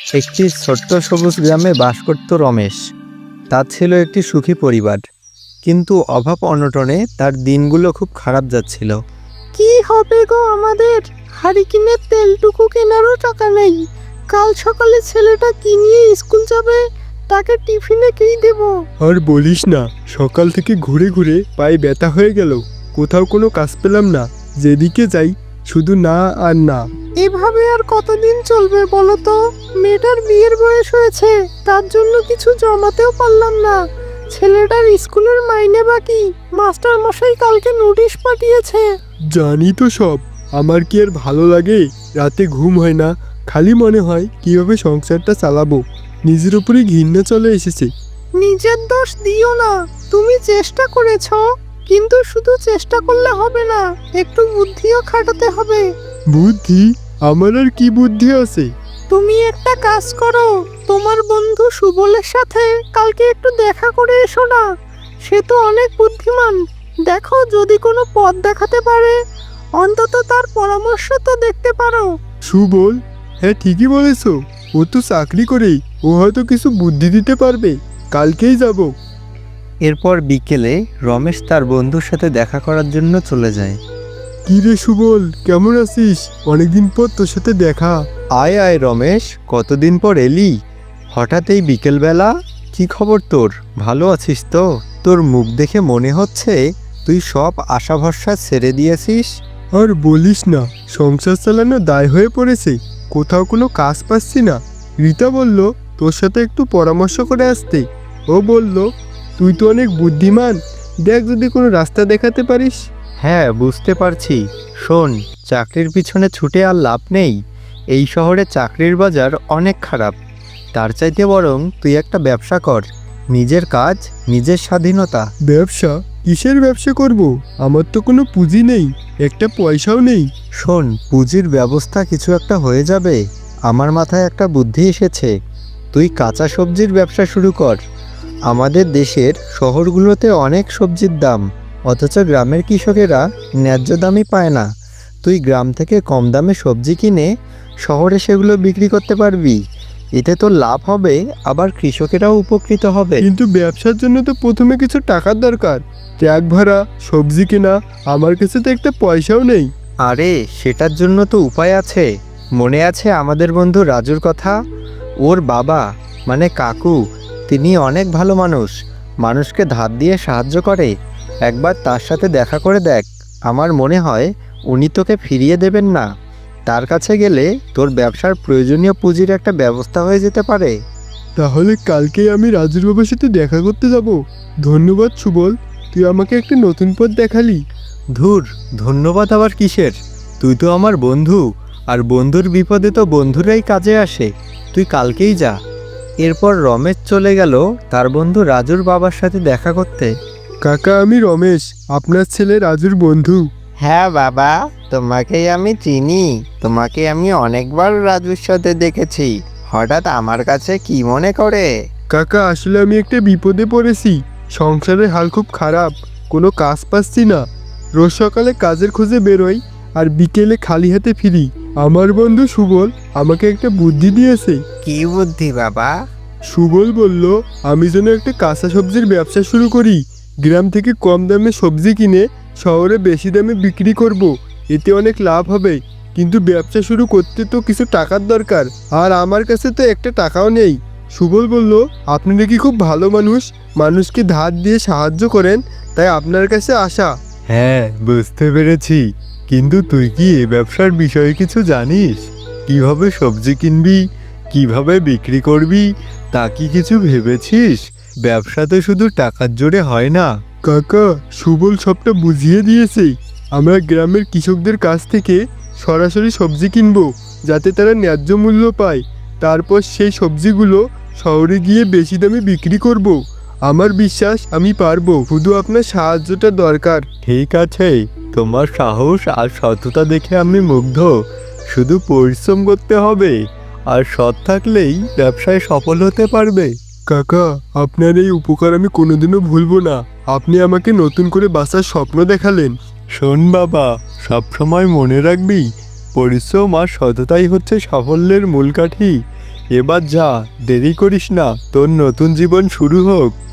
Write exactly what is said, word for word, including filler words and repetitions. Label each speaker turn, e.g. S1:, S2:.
S1: একটি ছোট্ট সবুজ গ্রামে বাস করত রমেশ। তার ছিল একটি সুখী পরিবার, কিন্তু অভাব অনটনে তার দিনগুলো খুব খারাপ যাচ্ছিল।
S2: কি হবে গো আমাদের? হারিকেনের তেলটুকু কেনারও টাকা নেই। কাল সকালে ছেলেটা কি নিয়ে স্কুল যাবে, তাকে টিফিনে কি দেব?
S3: আর বলিস না, সকাল থেকে ঘুরে ঘুরে পায়ে ব্যথা হয়ে গেল। কোথাও কোনো কাজ পেলাম না, যেদিকে যাই শুধু না আর না।
S2: এভাবে আর কতদিন চলবে বলো তো? মেয়েটার বিয়ের বয়স হয়েছে, তার জন্য কিছু জমাতেও পারলাম না। ছেলেটার স্কুলের মাইনে বাকি, মাস্টার মশাই কালকে নোটিশ পাঠিয়েছে।
S3: জানি তো সব, আমার কি আর ভালো লাগে? রাতে ঘুম হয় না, খালি মনে হয় কিভাবে সংসারটা চালাবো। নিজের উপরে ঘৃণা চলে এসেছে।
S2: নিজের দোষ দিও না, তুমি চেষ্টা করেছো, কিন্তু শুধু চেষ্টা করলে হবে না, একটু বুদ্ধিও খাটাতে হবে।
S3: বুদ্ধি? আমার আর কি বুদ্ধি আছে?
S2: তুমি একটা কাজ করো, তোমার বন্ধু সুবলের সাথে কালকে একটু দেখা করে এসো না। সে তো অনেক বুদ্ধিমান, দেখো যদি কোনো পথ দেখাতে পারে, অন্তত তার পরামর্শ তো দেখতে পারো।
S3: সুবল? হ্যাঁ, ঠিকই বলেছো। ও তো চাকরি করেই, ও হয়তো কিছু বুদ্ধি দিতে পারবে। কালকেই যাব।
S1: এরপর বিকেলে রমেশ তার বন্ধুর সাথে দেখা করার জন্য চলে যায়।
S3: কি রে সুবল, কেমন আছিস? অনেকদিন পর তোর সাথে দেখা।
S1: আয় আয় রমেশ, কতদিন পর এলি? হঠাৎ এই বিকেলবেলা? কি খবর তোর? ভালো আছিস তো? তোর মুখ দেখে মনে হচ্ছে তুই সব আশা ভরসা ছেড়ে দিয়েছিস।
S3: আর বলিস না, সংসার চালানো দায় হয়ে পড়েছে। কোথাও কোনো কাজ পাচ্ছি না। রীতা বলল তোর সাথে একটু পরামর্শ করে আসতে। ও বলল তুই তো অনেক বুদ্ধিমান, দেখ যদি কোনো রাস্তা দেখাতে পারিস।
S1: হ্যাঁ, বুঝতে পারছি। শোন, চাকরির পিছনে ছুটে আর লাভ নেই। এই শহরে চাকরির বাজার অনেক খারাপ। তার চাইতে বরং তুই একটা ব্যবসা কর। নিজের কাজ, নিজের স্বাধীনতা।
S3: ব্যবসা? কিসের ব্যবসা করব? আমার তো কোনো পুঁজি নেই, একটা পয়সাও নেই।
S1: শোন, পুঁজির ব্যবস্থা কিছু একটা হয়ে যাবে। আমার মাথায় একটা বুদ্ধি এসেছে। তুই কাঁচা সবজির ব্যবসা শুরু কর। আমাদের দেশের শহরগুলোতে অনেক সবজির দাম, অথচ গ্রামের কৃষকেরা ন্যায্য দামই পায় না। তুই গ্রাম থেকে কম দামে সবজি কিনে শহরে সেগুলো বিক্রি করতে পারবি। এতে তো লাভ হবে, আবার কৃষকেরাও উপকৃত হবে।
S3: কিন্তু ব্যবসার জন্য তো প্রথমে কিছু টাকার দরকার। ট্রাক ভাড়া, সবজি কেনা, আমার কাছে তো একটা পয়সাও নেই।
S1: আরে, সেটার জন্য তো উপায় আছে। মনে আছে আমাদের বন্ধু রাজুর কথা? ওর বাবা মানে কাকু, তিনি অনেক ভালো মানুষ, মানুষকে ধার দিয়ে সাহায্য করে। একবার তার সাথে দেখা করে দেখ, আমার মনে হয় উনি তোকে ফিরিয়ে দেবেন না। তার কাছে গেলে তোর ব্যবসার প্রয়োজনীয় পুঁজির একটা ব্যবস্থা হয়ে যেতে পারে।
S3: তাহলে কালকেই আমি রাজুর বাবার সাথে দেখা করতে যাব। ধন্যবাদ সুবল, তুই আমাকে একটা নতুন পথ দেখালি।
S1: ধুর, ধন্যবাদ আবার কিসের? তুই তো আমার বন্ধু, আর বন্ধুর বিপদে তো বন্ধুরাই কাজে আসে। তুই কালকেই যা। এরপর রমেশ চলে গেল তার বন্ধু রাজুর বাবার সাথে দেখা করতে।
S3: কাকা, আমি রমেশ, আপনার ছেলে রাজুর বন্ধু।
S1: হ্যাঁ বাবা, তোমাকেই আমি চিনি। তোমাকে আমি অনেকবার রাজুর সাথে দেখেছি। হঠাৎ আমার কাছে কি মনে করে?
S3: কাকা, আসলে আমি একটা বিপদে পড়েছি। সংসারের হাল খুব খারাপ, কোনো কাজ পাচ্ছি না। রোজ সকালে কাজের খোঁজে বেরোই, আর বিকেলে খালি হাতে ফিরি। আমার বন্ধু সুবল আমাকে একটা বুদ্ধি দিয়েছে।
S1: কি বুদ্ধি বাবা?
S3: সুবল বলল আমি যেন একটা কাঁচা সবজির ব্যবসা শুরু করি। গ্রাম থেকে কম দামে সবজি কিনে শহরে বেশি দামে বিক্রি করব। এতে অনেক লাভ হবে, কিন্তু ব্যবসা শুরু করতে তো কিছু টাকার দরকার, আর আমার কাছে তো একটা টাকাও নেই। সুবল বলল আপনি নাকি খুব ভালো মানুষ, মানুষকে ধার দিয়ে সাহায্য করেন, তাই আপনার কাছে আসা।
S1: হ্যাঁ, বুঝতে পেরেছি। কিন্তু তুই কি এই ব্যবসার বিষয়ে কিছু জানিস? কিভাবে সবজি কিনবি, কিভাবে বিক্রি করবি, তা কি কিছু ভেবেছিস? ব্যবসাতে শুধু টাকার জোরে হয় না।
S3: কাকা, সুবল সবটা বুঝিয়ে দিয়েছে। আমরা গ্রামের কৃষকদের কাছ থেকে সরাসরি সবজি কিনবো, যাতে তারা ন্যায্য মূল্য পায়। তারপর সেই সবজিগুলো শহরে গিয়ে বেশি দামে বিক্রি করব। আমার বিশ্বাস আমি পারবো, শুধু আপনার সাহায্যটা দরকার।
S1: ঠিক আছে, তোমার সাহস আর সততা দেখে আমি মুগ্ধ। শুধু পরিশ্রম করতে হবে, আর সৎ থাকলেই ব্যবসায় সফল হতে পারবে।
S3: কাকা, আপনার এই উপকার আমি কোনোদিনও ভুলবো না। আপনি আমাকে নতুন করে বাঁচার স্বপ্ন দেখালেন।
S1: শোন বাবা, সবসময় মনে রাখবি, পরিশ্রম আর সততাই হচ্ছে সাফল্যের মূল কাঠি।
S3: এবার যা, দেরি করিস না, তোর নতুন জীবন শুরু হোক।